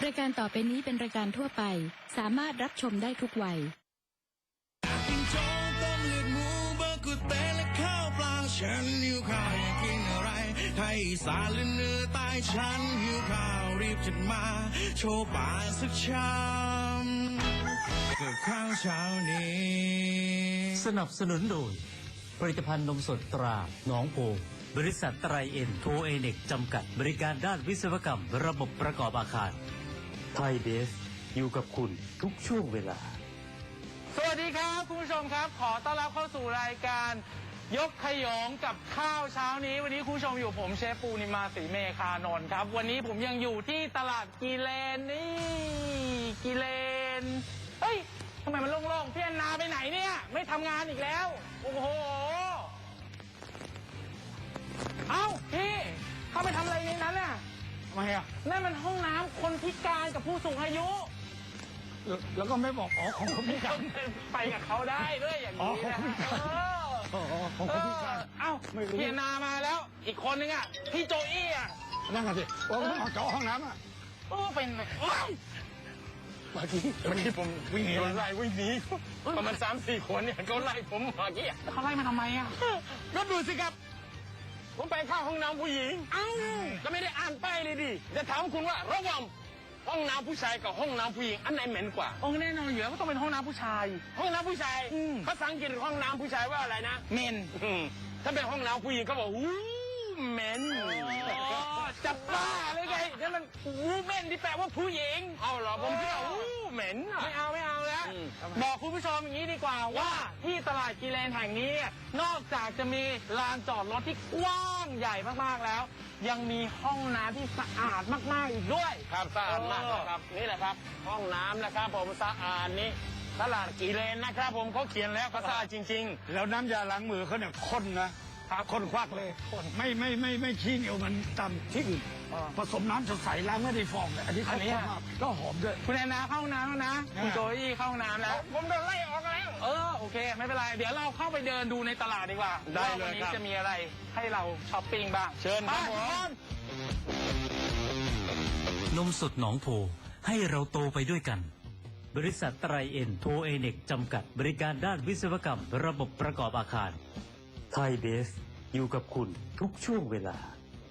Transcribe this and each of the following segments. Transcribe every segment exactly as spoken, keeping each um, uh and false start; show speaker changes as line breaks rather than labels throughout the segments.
รายการต่อไปนี้เป็นรายการทั่วไปสามารถรับชมได้ทุกวัย
กินโจ๊กต้มเลือดหมูเบอร์กุเตและข้าวเปล่าฉันหิวข้าวอยากกินอะไรไทยอีสานหรือเหนือใต้ฉันหิวข้าวรีบจัดมาโชว์ป่ากสักชามกับข้าวเช้านี้
สนับสนุนโดยผลิตภัณฑ์นมสดตราหนองโพบริษัทไตรเอ็นโทเอเน็กจำกัดบริการด้านวิศวกรรมระบบประกอบอาคารไทยเบฟอยู่กับคุณทุกช่วงเวลา
สวัสดีครับคุณผู้ชมครับขอต้อนรับเข้าสู่รายการยกขยงกับข้าวเช้านี้วันนี้คุณผู้ชมอยู่ผมเชฟปูนิมาศรีเมฆานนท์ครับวันนี้ผมยังอยู่ที่ตลาดกีเลนนี่กีเลนเฮ้ยทำไมมันโล่งๆพี่แอนนาไปไหนเนี่ยไม่ทำงานอีกแล้วโอ้โหเอ้าพี่เข้าไปทำอะไรในนั้นน่ะทำไมอ่ะนั่นมันห้องน้ำคนพิการกับผู้สูงอายุ
แล้วก็ไม่บอกอ๋อของคนพิการ
ไปกับเขาได้ด้วยอย่างนี้นะ
อ๋อของคนพิการ
เอ้าพี่นามาแล้วอีกคนนึงอ่ะพี่โจอี้อ่ะ
นั่งกันสิว่าเขาเจาะห้องน้ำอ่ะ
โอ้เป็นเ
มื่อกี้เมื่อกี้ผมวิ่งหนี
ไล่วิ่งหนีประมาณสามสี่คนเนี่ยเขาไล่ผมเมื่อกี้เขาไล่มาทำไมอ่ะก็ดูสิครับผมไปเข้าห้องน้ำผู้หญิงเอ้าก็ไม่ได้อ่านป้ายเลยดิจะถามคุณว่าระหว่างห้องน้ำผู้ชายกับห้องน้ำผู้หญิงอันไหนเหม็นกว่าโอ้แน่นอนอยู่แล้วก็ต้องเป็นห้องน้ำผู้ชายห้องน้ำผู้ชายภาษาอังกฤษห้องน้ำผู้ชายว่าอะไรนะเมนถ้าเป็นห้องน้ำผู้หญิงก็บอกวู้เมนจะบ้าเลยไงนั่นมันวู้เมนที่แปลว่าผู้หญิงเอาเหรอผมคิดว่าวู้เมนไม่เอาไม่เอาแล้วบอกคุณผู้ชมอย่างนี้ดีกว่าว่าที่ตลาดกีเลนแห่งนี้นอกจากจะมีลานจอดรถที่กว้างใหญ่มากๆแล้วยังมีห้องน้ำที่สะอาดมากๆอีกด้วยครับสะอาดมากนะครับนี่แหละครับห้องน้ำนะครับผมสะอาดนี้ตลาดกีเลนนะครับผมเขาเขียนแล้วก็สะอาดจริง
ๆแล้วน้ำยาล้างมือเขาเนี่ยข้นนะข้นควักเลยไม่ไม่ไม่ไม่ขี้เหนียวมันตามที่อื่นผสมน้ำสดใสล้างไม่ได้ฟองเลยอันนี้เขาข้นมากก็หอมด้วย
คุณแอนนาเข้าห้องน้ำแล้วนะคุณโจอี้เข้าห้องน้ำแล้วผมโดนไล่ออกแล้วเออโอเคไม่เป็นไรเดี๋ยวเราเข้าไปเดินดูในตลาดดีกว่าได้เลยวันนี้จะมีอะไรให้เราช้อปปิ้งบ้างเชิญครับผม
นมสดหนองโพให้เราโตไปด้วยกันบริษัทไตรเอ็นโทเอเน็กจำกัดบริการด้านวิศวกรรมระบบประกอบอาคารไทยเบฟอยู่กับคุณทุกช่วงเวลา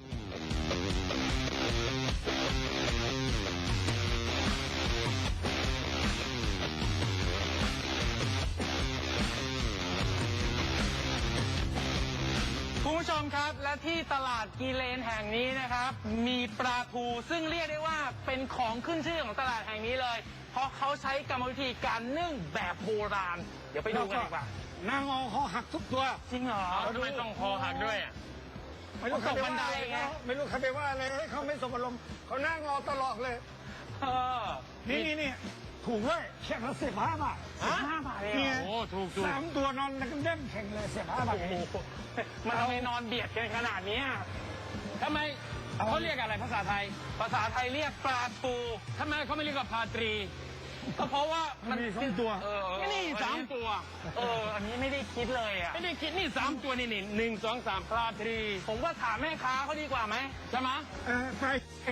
คุณผู้ชมครับและที่ตลาดกีเลนแห่งนี้นะครับมีปลาทูซึ่งเรียกได้ว่าเป็นของขึ้นชื่อของตลาดแห่งนี้เลยเพราะเขาใช้กรรมวิธีการนึ่งแบบโบราณเดี๋ยวไปดูกันดีกว่าน
างอคอหักทุกตัว
จริงเหรอทำไมต้องคอหักด้วยอ่ะ
ไม่รู้เขาบันไดไงไม่รู้ใครไปว่าอะไรให้เขาไม่สมอารมณ์เขาหน้างอตลอดเลย
เออ
นี่นี่นี่ถูกด้วยแข่งละสิบห้าบาท
สิบห้าบาทเลย
โอ้ถูกถูกสามตัวนอนกันเด้งแข่งเลยสิบห้าบาท
มันทำไมนอนเบียดกันขนาดนี้ทำไมเขาเรียกอะไรภาษาไทยภาษาไทยเรียกปลาทูทำไมเขาไม่เรียกว่าพาตรีก็เพราะว่ามัน
มีสองตัว
นี่สามตัวเอออันนี้ไม่ได้คิดเลยอ่ะไม่ได้คิดนี่สามตัวนี่นี่หนึ่งสองสามปลาตรีผมว่าถามแม่ค้าเขาดีกว่าไหมใช่ไหม
เออไป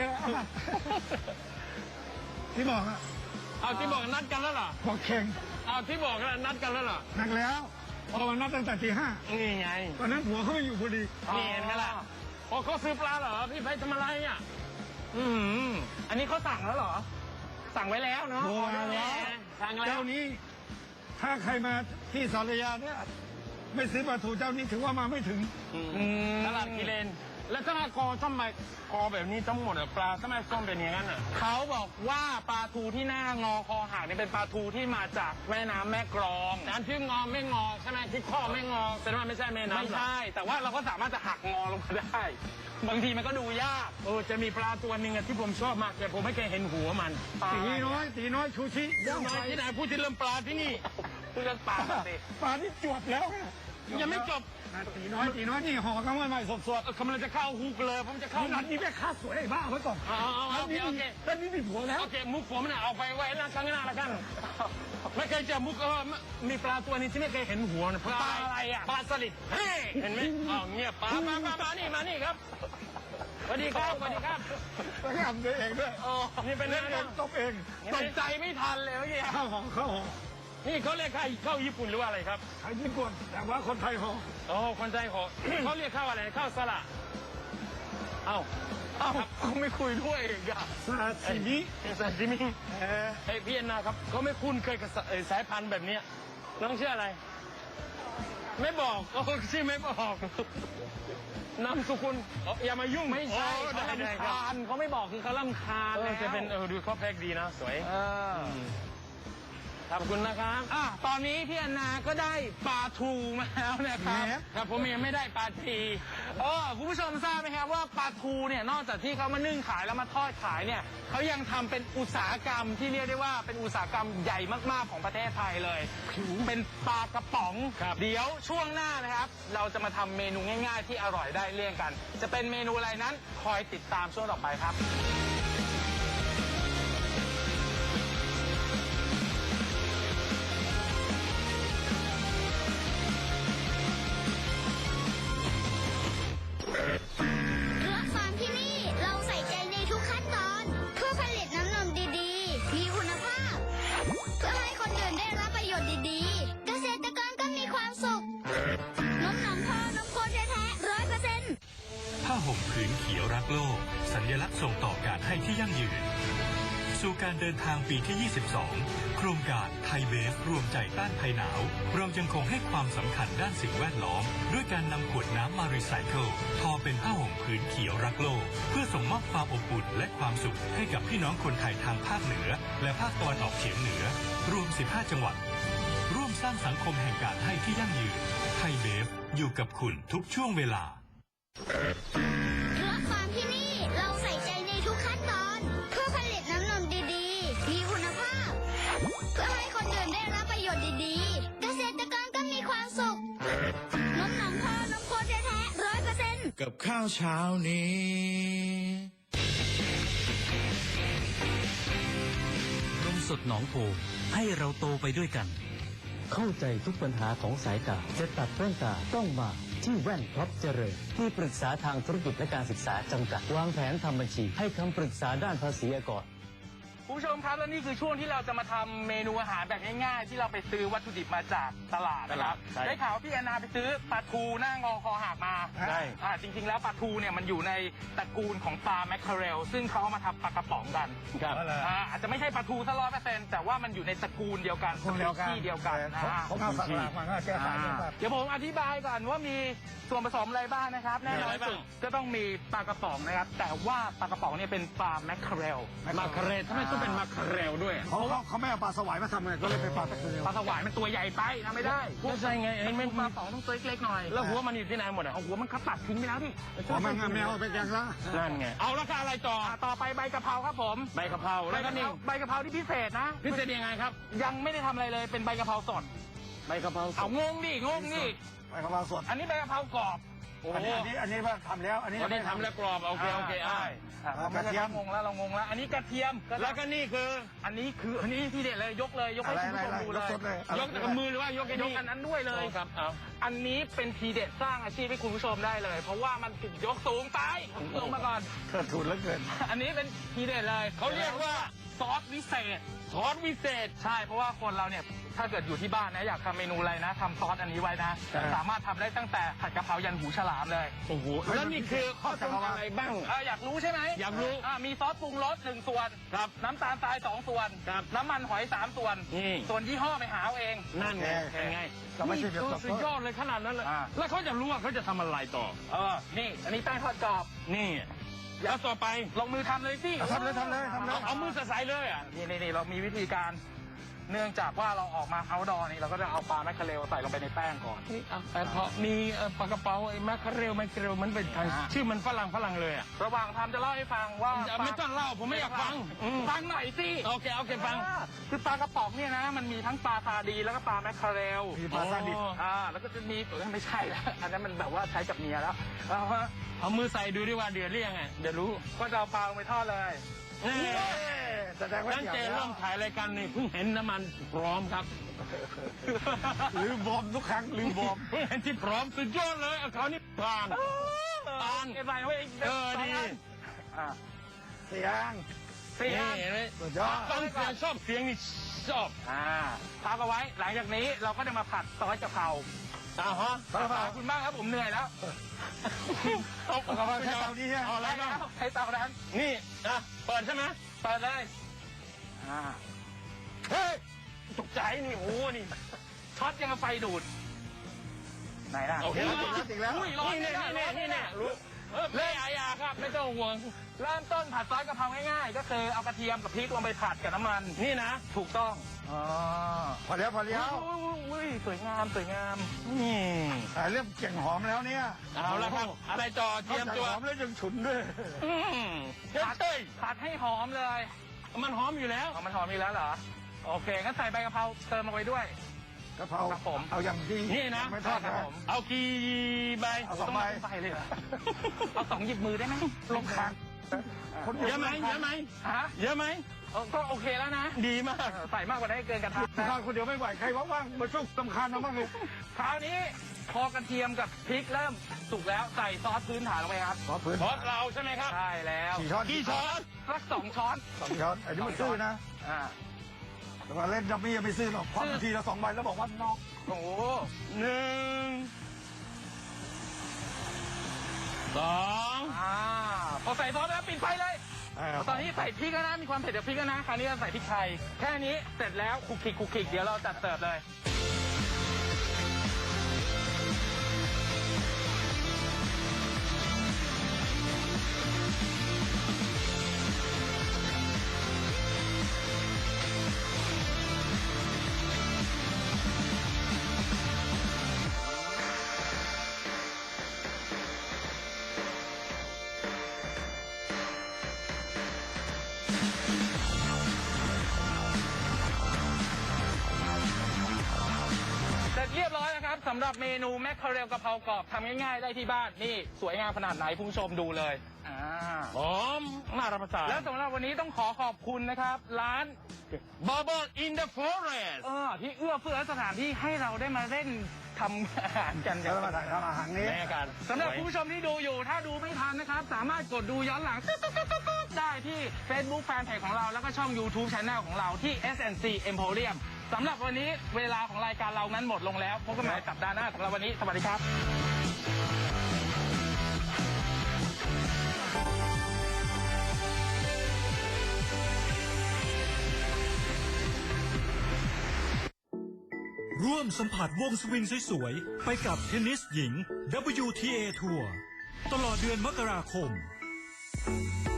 ที่บอกอะ
เอาที่บอกนัดกันแล้วเหรอ
บอกแข่ง
เอาที่บอกนัดกันแล้วเหรอ
นัดแล้วพอวันนัดตั้งแต่ตีห้า
นี่ไง
ตอนนั้นหัวเขาไม่อยู่พอดี
นี่เห็นไหมล่ะพอเขาซื้อปลาเหรอพี่ไปทำอะไรอ่ะอืมอันนี้เขาสั่งแล้วเหรอสั่งไว้แล้วเนาะ
เจ้านี้ถ้าใครมาที่สารยาเนี่ยไม่ซื้อปลาทูเจ้านี้ถือว่ามาไม่ถึง
ตลาดกีเลนแล้วถ้ากอทำไมกอแบบนี้ทั้งหมดปลาทำไมต้มเป็นอย่างนั้นอ่ะเขาบอกว่าปลาทูที่หน้างอคอหักนี่เป็นปลาทูที่มาจากแม่น้ำแม่กลองอันที่งอไม่งอใช่ไหมที่ข้อไม่งอแสดงว่าไม่ใช่แม่น้ำไม่ใช่แต่ว่าเราก็สามารถจะหักงอลงมาได้บางทีมันก็ดูยากเออจะมีปลาตัวหนึ่งที่ผมชอบมากแต่ผมไม่เคยเห็นหัวมัน
ตีน้อยตีน้อยชูชิ
ยังไงที่ไหนพูดที่เรื่องปลาที่นี่พูดเรื่องปลาสิ
ปลาที่จวบแล้ว
ยังไม่จบ
ตีน้อยตีน้อยนี่ห่อกันใหม่สด
ๆกำลังจะเข้าฮุกเลยผมจะเข้า
นัดนี้แม่ค้าสวยไอ้บ้าไว้ก่อน
โอเคโอเค
ตอนนี้มีผัวแล้ว
โอเคมุกผมน่ะเอาไปไว้หน้าข้างหน้าแล้วกันไม่เคยเจอมุกเออมีปลาตัวนี้ที่ไม่เคยเห็นหัวนะปลาอะไรอ่ะปลาสลิดเห็นไหมอ๋อเงียบปลามามามานี่มานี่ครับสวัสดีครับสวัสดีครับ
แล้วก็ทำเองด้วย
โอ้นี่เป็น
เล่น
ไง
เองตบเอง
ตกใจไม่ทันเลยเมื่อกี้
ข้าวหอมข้าวหอม
นี่เขาเรียกข้าวข้าวญี่ปุ่นหรือว่าอะไรครับ
ขายญี่ปุ่นแต่ว่าคนไทยหอม
โอ้คนใจขอ เขาเรียกข้าวอะไรข้าวสละเอ้าเอ้าเขาไม่คุยด้วยอีกอะ
ซาซิมิ
ซาซิมิ
เออ
ไอ้พี่แอนนาครับเขาไม่คุ้นเคยกับสเอ่อสายพันธุ์แบบเนี้ยน้องชื่ออะไร ไม่บอกโอ้ชื่อไม่บอกนามสกุลอ๋ออย่ามายุ่ง
ไม่ใช่
โอ้
เขา
ได้ได้
ลำ
ครับ
คาญเขาไม่บอกคือเขาลำคาญ
เออ
แล้ว
จะเป็นเออดูเขาแพ็กดีนะสวย
เออ
ขอบคุณนะครับ
อ่ะตอนนี้พี่แอนนาก็ได้ปลาทูมาแล้วนะครับ
ครับผมยังไม่ได้ปลาที
เออคุณผู้ชมทราบไหมครับว่าปลาทูเนี่ยนอกจากที่เขามานึ่งขายแล้วมาทอดขายเนี่ยเขายังทำเป็นอุตสาหกรรมที่เรียกได้ว่าเป็นอุตสาหกรรมใหญ่มากๆของประเทศไทยเลย เป็นปลากระป๋อง เดี๋ยวช่วงหน้านะครับ เราจะมาทำเมนูง่ายๆ ที่อร่อยได้เลี่ยงกัน จะเป็นเมนูอะไรนั้นคอยติดตามช่วงต่อไปครับ
รักฟาร์มที่นี่เราใส่ใจในทุกขั้นตอนเพื่อผลิตน้ำนมดีๆ มีคุณภาพ เพื่อให้คนอื่นได้รับประโยชน์ดีๆ เกษตรกรก็มีความสุขนมหนองพอนมโคแท้ๆร้อยเปอร์เซ็นต์
ผ้าห่มผืนเขียวรักโลก สัญลักษณ์ส่งต่อการให้ที่ยั่งยืน สู่การเดินทางปีที่ ยี่สิบสอง โครงการไทยเบฟรวมใจต้านภัยหนาว เรายังคงให้ความสำคัญด้านสิ่งแวดล้อม ด้วยการนำขวดน้ำมารีไซเคิลทอเป็นผ้าห่มผืนเขียวรักโลก เพื่อส่งมอบความอบอุ่นและความสุขให้กับพี่น้องคนไทยทางภาคเหนือ และภาคตะวันออกเฉียงเหนือ รวม สิบห้า จังหวัด ร่วมสร้างสังคมแห่งการให้ที่ยั่งยืน ไทยเบฟอยู่กับคุณทุกช่วงเวลา
รักฟาร์มที่นี่เราใส่ใจในทุกขั้นตอนเพื่อผลิตน้ำนมดีๆ มีคุณภาพ เพื่อให้คนอื่นได้รับประโยชน์ดีๆ เกษตรกรก็มีความสุขนมหนองพอนมโคแท้ๆร้อยเปอร์เซ็นต์
กับข้าวเช้านี้
นมสดหนองโพให้เราโตไปด้วยกัน เข้าใจทุกปัญหาของสายตาจะตัดแว่นตาต้องมาที่แว่นท็อปเจริญที่ปรึกษาทางธุรกิจและการศึกษาจำกัดวางแผนทำบัญชีให้คำปรึกษาด้านภาษีอากร
คุณผู้ชมครับและนี่คือช่วงที่เราจะมาทำเมนูอาหารแบบง่ายๆ ที่เราไปซื้อวัตถุดิบมาจากตลาดนะครับ
ใช่
ได้ข่าวว่าพี่แอนนาไปซื้อปลาทูหน้างอคอหักมา
ใช่
อ่าจริงๆแล้วปลาทูเนี่ยมันอยู่ในตระกูลของปลาแมคเคอเรลซึ่งเขาเอามาทำปลากระป๋องกัน
ครับ
อ่าอาจจะไม่ใช่ปลาทูซะร้อยเปอร์เซ็นต์แต่ว่ามันอยู่ในตระกูลเดียวกัน
คนเดียวกัน
ที่เดียวกันนะฮะ
เขาเอาสักหลักมาก็แก้สายด้วยครับ
เดี๋ยวผมอธิบายก่อนว่ามีส่วนผสมอะไรบ้างนะครับแน่นอนสุดก็ต้องมีปลากระป๋องนะครับแต่ว่าปลากระป๋องเนี่ยเป็นปลาแมคเคอเรล
มาคาเรลทำไมต้องเป็นมาคาเรลด้วย
เขาเขาเขาไม่เอาปลาสวายมาทำเลยก็เลยเป็นปลาตะเกียบ
ปลาสวายมันตัวใหญ่ไปทำไม่ได้
ไม่ใช่ไงเห็นไหม
ปลาสองต้องตัวเล็กๆหน่อย
แล้วหัวมันอยู่ที่ไหนหมดอ่ะ
เอาหัวมันเขาตัดทิ้งไปแล้วดิ
ผมไม่งั้นไม่เอาไปแกงละ
นั่นไงเอาแล้วก็อะไรต่อ
อ่าต่อไปใบกะเพราครับผม
ใบกะเพรา
ใบ
แล้วก็
กะเพ
นี่
ราใบกะเพราที่พิเศษนะ
พิเศษยังไงครับ
ยังไม่ได้ทำอะไรเลยเป็นใบกะเพราสด
ใบกะเพรา
เอางงดิงงดิ
ไปกะเพราสด
อันนี้ใบกะเพรากรอบ
โอ้
อัน
โห
นี้อันนี้อันนี้ว่าทำแล้ว อันนี้
วันนี้ทำแล้วกรอบโอเคโอเคอ่า
อ่าเราไม่ได้ทำงงแล้วเรางงแล้ว อันนี้กระเทียม
แล้วก็นี่คือ
อันนี้คืออันนี้ที่เด็ดเลยยกเลยยกให้
อะไร
คุณ
อะไร
ผู้ชม
อะไร
ดู
ย
เล
ก
ย
สดเลย
ยกกับมือหรือว่ายกไอ้
ย
นี่
กอันนั้นด้วยเลย
ครับเอา
อันนี้เป็นทีเด็ดสร้างอาชีพให้คุณผู้ชมได้เลย เพราะว่ามันถูกยกสูงไปลงมาก่อน
เกิดทุนแล้วเกิน
อันนี้เป็นทีเด็ดเลย
เขาเรียกว่า
ซอสวิเศษ
ซอสวิเศษ
ใช่เพราะว่าคนเราเนี่ยถ้าเกิดอยู่ที่บ้านนะอยากทำเมนูอะไรนะทำซอสอันนี้ไว้นะ
ครับ
สามารถทำได้ตั้งแต่ผัดกะเพรายันหูฉลามเลย
โอ้โหแล้วนี่คือข้าวต้มอะไรบ้าง
เอออยากรู้ใช่ไหม
อยากรู้
อ่ามีซอสปรุงรสหนึ่งส่วน
ครับ
น้ำตาลทรายสองส่วน
ครับ
น้ำมันหอยสามส่วน
นี่
ส่วนยี่ห้อไปหาเอาเอง
นั่นไง
โอเค
เป็นไง
เราไม่ใช่แบบ
นี่สุดยอดเลยขนาดนั้นเลย
อ่า
แล้วเขาจะรู้ว่าเขาจะทำอะไรต่อ
เออนี่อันนี้แป้งทอดกรอบ
นี่แล้วต่อไป
ลงมือทำเลยสิ
ทำเลยทำเลยทำเลย
เอาเอามือใส่เลยอ่ะ
นี่นี่นี่เรามีวิธีการ เนื่องจากว่าเราออกมาเอาดอนี่เราก็จะเอาปลาแมคเคอเรลใส่ลงไปในแป้งก่อน
นี่เอาแต่พอมีเอ่อปลากระเป๋าไอ้แมคคาเรลแมคคาเรลมันเป็นไทย
อ่า
ชื่อมันฝรั่งฝรั่งเลยอ่ะ
ระหว่างทำจะเล่าให้ฟังว่า
อย่าไม่ต้องเล่าผมไม่อยากฟังอืม
ฟังหน่อยสิ
โอเคโอเคฟัง
อ่าคือปลากระป๋องเนี่ยนะมันมีทั้งปลาซาดีนแล้วก็ปลาแมคเคอเรล
มีปลาซาดิบ
อ๋อ
อ่าแล้วก็จะมีเออไม่ใช่แล้วอันนั้นมันแบบว่าใช้กับเมียแล้วเอาฮะ
เอามือใส่ดูดิว่าเดือดหรือยังไงเดี๋ยวรู้
ก็จะเอาปลาลงไปทอดเลย
นี่
แสดงว่า
ตั้ง
เกี่ยว
ใจ
แล้
เริ่
ว
มถ่ายรายการนี่เพิ่งเห็นน้ำมันพร้อมครับ
ลืมบอมทุกครั้งลืมบอม
เพิ่งเห็นที่พร้อมสุดยอดเลยเอาเขานี่ผ่าน
เอ
อัน
เอ็นใส่ไว้อีก
เออ
สง
ดี
นอ่า
เสียง
สี่อัน
เห็นไหม
สุดยอด
ฟังเสียงชอบเสียงนี่ชอบ
อ่าพักเอาไว้ หลังจากนี้เราก็จะมาผัดซอสกะเพรา
อ่าฮะ
ขอบคุณมากครับผมเหนื่อยแล้ว
เอา
เอามาแค่เตานี้ฮะ
เอาอะไร
ได้
บ้าง
แล้วใช้เตานั้น
นี่อ่ะเปิดใช่ไหม
เปิดเลยอ่า
เฮ้ยตกใจนี่โอ้โหนี่
ช็อตยังกับไฟดูด ไหนล่ะ
โอเค
ติดแล้วติดแล้ว
อุ้ยร้อน
นี่
แน่
เนี่ย
ๆ
นี่
ร้
เนี่
อย น
นี่
แน่
เนี่ยรู้เออเล่อาญาครับไม่ต้องห่วง
ๆเริ่มต้นผัดซอสกะเพราง่ายๆ ก็คือเอากระเทียมกับพริกลงไปผัดกับน้ำมัน
นี่นะ
ถูกต้องอ๋อ
พอแล้วพอแล้ว
อุ้ยสวยงามสวยงาม
อืม
แต่เริ่มเก่งหอมแล้วเนี่ย
เอาละครับ อะไรต่อเตรียมตัว
หอมแล้วยังฉุนด้วย
อืมเฮ้ยเฮ้ย
ผัดให้หอมเลย
มันหอมอยู่แล้ว
อ๋อมันหอมอีกแล้วเหรอ โอเคงั้นใส่ใบกะเพราเติมลงไปด้วย
กะเพรา
ครับผม
เอาอย่างดี
นี่นะ
ไม่ทอด
ครับ
นะ
ผม
เอากี่ใบ
เอาสองใบ
ใบเลยเหรอเอาสองหยิบมือได้ไหม
ลงคางคน
เยอะไหมเยอะไหม
ฮะ
เยอะไหม
เออก็โอเคแล้วนะ
ดีมาก
ใส่มากกว่าได้เกินกระทะ
ทานคนเดียวไม่ไหวใครว่างๆมาช่วยสำคัญนะบ้างเลย
คราวนี้พอกระเทียมกับพริกเริ่มสุกแล้วใส่ซอสพื้นฐานลงไปครับ
ขอพื้น
ซอสเราใช่ไหมครับ
ใช่แล้ว
กี่ช้อน
กี่ช้อน
สักสองช้อน
สองช้อนอันนี้มันซื้อนะ
อ่า
แต่ว่าเล่นดัมมี่ยังไม่ซื้อหรอกความทีละสองใบแล้วบอกว่านอก
โอ้โห
หนึ่งสอง
อ่าพอใส่ซอสแล้วปิดไฟเลย ตอนนี้ใส่พริกแล้วนะ มีความเผ็ดจากพริกแล้วนะ คราวนี้เราใส่พริกไทย แค่นี้เสร็จแล้วคลุกคลิกคลุกคลิกเดี๋ยวเราจัดเสิร์ฟเลย เสร็จเรียบร้อยนะครับสำหรับเมนูแมคเคอเรลกะเพรากรอบทำง่ายๆได้ที่บ้านนี่สวยงามขนาดไหนคุณผู้ชมดูเลยอ่า
หอมน่ารับประทาน
แล้วสำหรับวันนี้ต้องขอขอบคุณนะครับ ร้าน
Bubble in the Forest
เออที่เอื้อเฟื้อสถานที่ให้เราได้มาเล่นทำอาหารกัน
แล้วมาถ่ายทำอาหารนี้
แม่กัน
สำหรับคุณผู้ชมที่ดูอยู่ถ้าดูไม่ทันนะครับ สามารถกดดูย้อนหลังได้ที่ Facebook Fanpage ของเราแล้วก็ช่อง YouTube Channel ของเราที่ เอส แอนด์ ซี Emporium สำหรับวันนี้เวลาของรายการเรานั้นหมดลงแล้วพบกันใหม่สัปดาห์หน้าสำหรับวันนี้สวัสดีครับ
ร่วมสัมผัสวงสวิงสวยๆ ไปกับเทนนิสหญิง ดับเบิลยู ที เอ ทัวร์ตลอดเดือนมกราคม